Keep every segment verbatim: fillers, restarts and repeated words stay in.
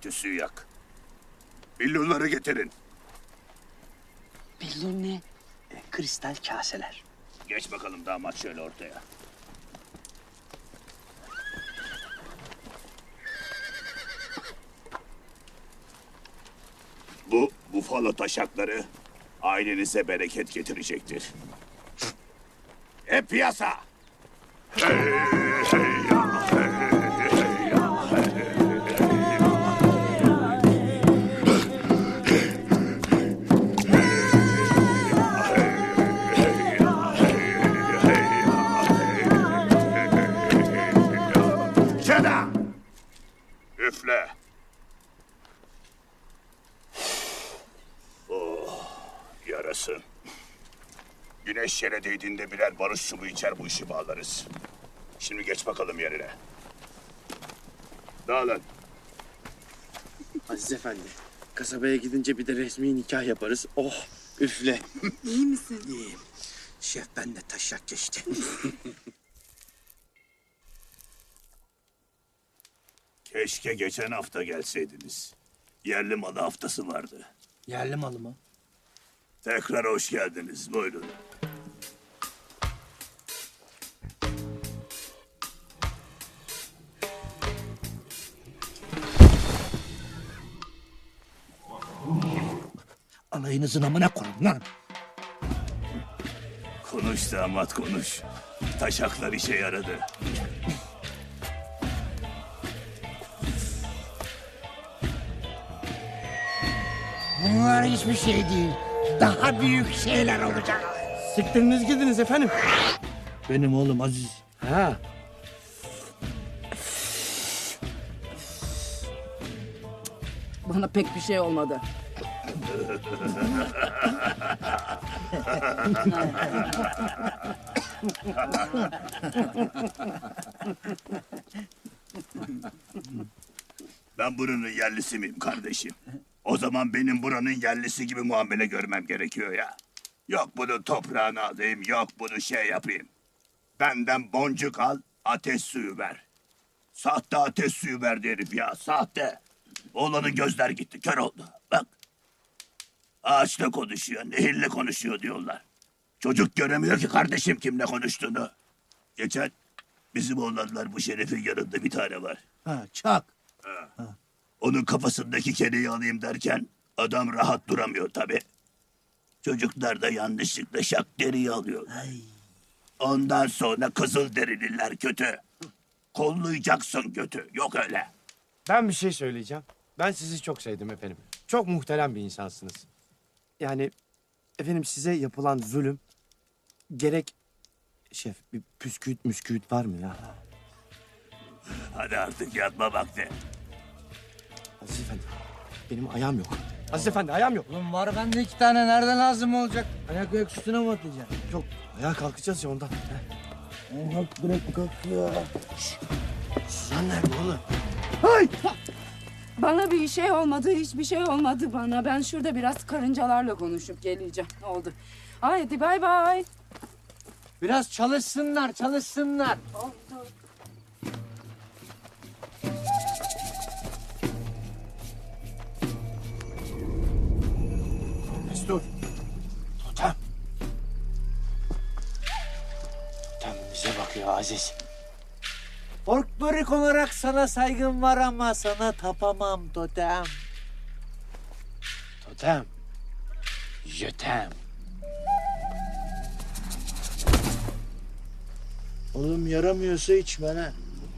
Tüsüyü yak. Billurları getirin. Billur ne? E, kristal kaseler. Geç bakalım damat şöyle ortaya. Bu bufalo taşakları ailenize bereket getirecektir. Hep piyasa! Şena! Üfle! Oh, yarasın. Güneş yere değdiğinde birer barış çubuğu içer bu işi bağlarız. Şimdi geç bakalım yerine. Dağılın. Aziz Efendi, kasabaya gidince bir de resmi nikah yaparız. Oh, üfle. İyi misin? İyiyim. Şef ben de taşak geçti. Keşke geçen hafta gelseydiniz. Yerli malı haftası vardı. Yerli malı mı? Tekrar hoş geldiniz. Buyurun. Alayınızın amına koyun lan. Konuş damat konuş. Taşaklar işe yaradı. Bunlar hiçbir şey değil. Daha büyük şeyler olacak. Siktiriniz gidiniz efendim. Benim oğlum Aziz. Ha, Bana pek bir şey olmadı. Ben buranın yerlisi miyim kardeşim? O zaman benim buranın yerlisi gibi muamele görmem gerekiyor ya. Yok bunu toprağına alayım, yok bunu şey yapayım. Benden boncuk al, ateş suyu ver. Sahte ateş suyu verdi herif ya, sahte. Oğlanın gözler gitti, kör oldu. Bak. Ağaçla konuşuyor, nehirle konuşuyor diyorlar. Çocuk göremiyor ki kardeşim kimle konuştuğunu. Geçen bizim oğlanlar bu şerefin yanında bir tane var. Ha, çak. Onun kafasındaki kereyi alayım derken adam rahat duramıyor tabi. Çocuklar da yanlışlıkla şak deriyi alıyor. Ondan sonra kızıl derililer kötü. Kollayacaksın kötü. Yok öyle. ben bir şey söyleyeceğim. Ben sizi çok sevdim efendim. Çok muhterem bir insansınız. Yani efendim size yapılan zulüm gerek... Şef bir püsküüt müsküüt var mı ya? Hadi artık yatma vakti. Aziz Efendi, benim ayağım yok. Aziz Efendi, ayağım yok. Oğlum var bende iki tane. Nereden lazım olacak? Ayak ayak üstüne mi atacaksın? Yok, ayağa kalkacağız ya ondan. Heh. Kalk bırak kalk ya. Suzan nerede oğlum? Bana bir şey olmadı, hiçbir şey olmadı bana. Ben şurada biraz karıncalarla konuşup geleceğim. Oldu. Haydi bay bay. Biraz çalışsınlar çalışsınlar. Oldu. Mesut. Totem. Totem bize bakıyor Aziz. Folklorik olarak sana saygım var ama sana tapamam totem. Totem. Jötem. Oğlum yaramıyorsa içme lan.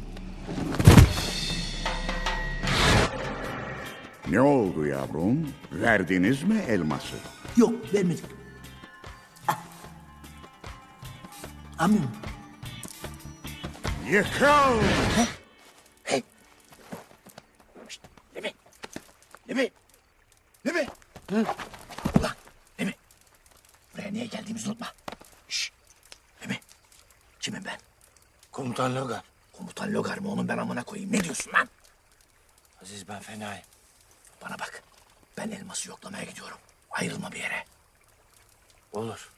Ne oldu yavrum? Verdiniz mi elması? Yok vermedik. Ah. Amin. Yıkıl! Lemi. Lemi. Lemi. Ulan Lemi. Buraya niye geldiğimizi unutma. Şşş. Lemi. Kimim ben? Komutan Logar. Komutan Logar mı onun ben amına koyayım? Ne diyorsun lan? Aziz ben fenayım. Bana bak. Ben elması yoklamaya gidiyorum. Ayrılma bir yere. Olur.